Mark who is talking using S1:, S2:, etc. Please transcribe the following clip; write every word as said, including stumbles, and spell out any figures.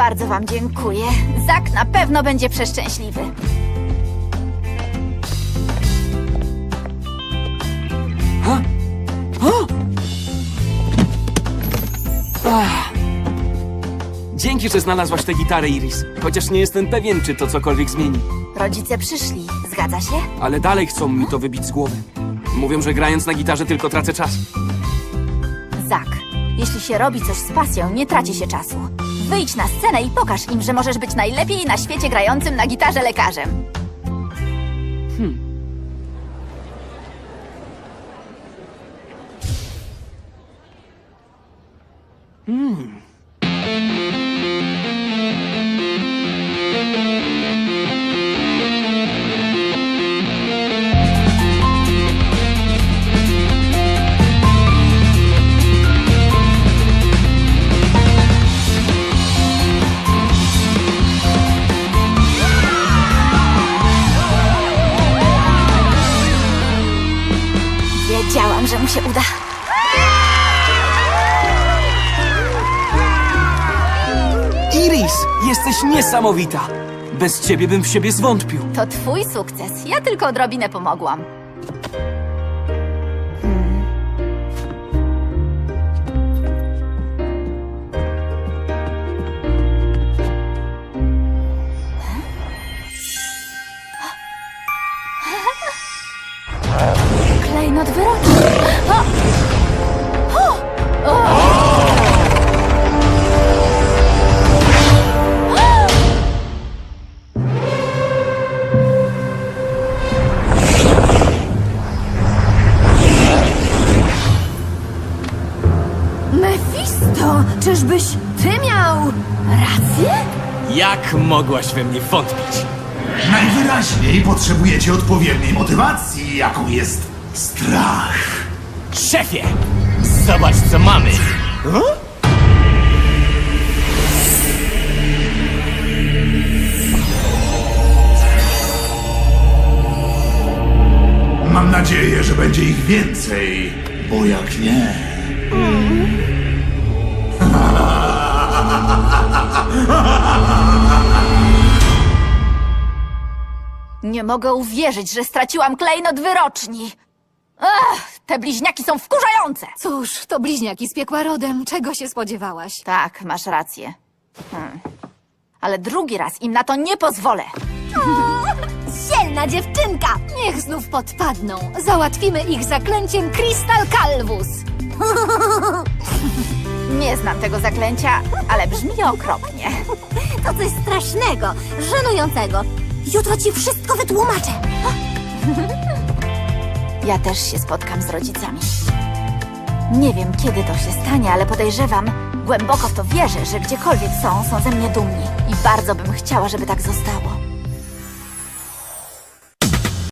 S1: Bardzo wam dziękuję. Zak na pewno będzie przeszczęśliwy.
S2: Ha? O! Ach. Dzięki, że znalazłaś tę gitarę, Iris. Chociaż nie jestem pewien, czy to cokolwiek zmieni.
S1: Rodzice przyszli, zgadza się?
S2: Ale dalej chcą mi to wybić z głowy. Mówią, że grając na gitarze tylko tracę czas.
S1: Zak, jeśli się robi coś z pasją, nie traci się czasu. Wyjdź na scenę i pokaż im, że możesz być najlepiej na świecie grającym na gitarze lekarzem. Wiedziałam, że mu się uda.
S2: Iris, jesteś niesamowita! Bez ciebie bym w siebie zwątpił.
S1: To twój sukces. Ja tylko odrobinę pomogłam. Klejnot wyroki. O! O! O! Mefisto, czyżbyś ty miał rację?
S3: Jak mogłaś we mnie wątpić?
S4: Najwyraźniej potrzebujecie odpowiedniej motywacji, jaką jest strach.
S3: Szefie! Zobacz, co mamy!
S4: Mam nadzieję, że będzie ich więcej, bo jak nie...
S1: Nie mogę uwierzyć, że straciłam klejnot wyroczni. Ach, te bliźniaki są wkurzające.
S5: Cóż, to bliźniaki z piekła rodem. Czego się spodziewałaś?
S1: Tak, masz rację. Hmm. Ale drugi raz im na to nie pozwolę.
S5: Dzielna dziewczynka! Niech znów podpadną. Załatwimy ich zaklęciem Crystal Calvus.
S1: Nie znam tego zaklęcia, ale brzmi okropnie.
S5: To coś strasznego, żenującego. Jutro ci wszystko wytłumaczę.
S1: Ja też się spotkam z rodzicami. Nie wiem, kiedy to się stanie, ale podejrzewam, głęboko w to wierzę, że gdziekolwiek są, są ze mnie dumni. I bardzo bym chciała, żeby tak zostało.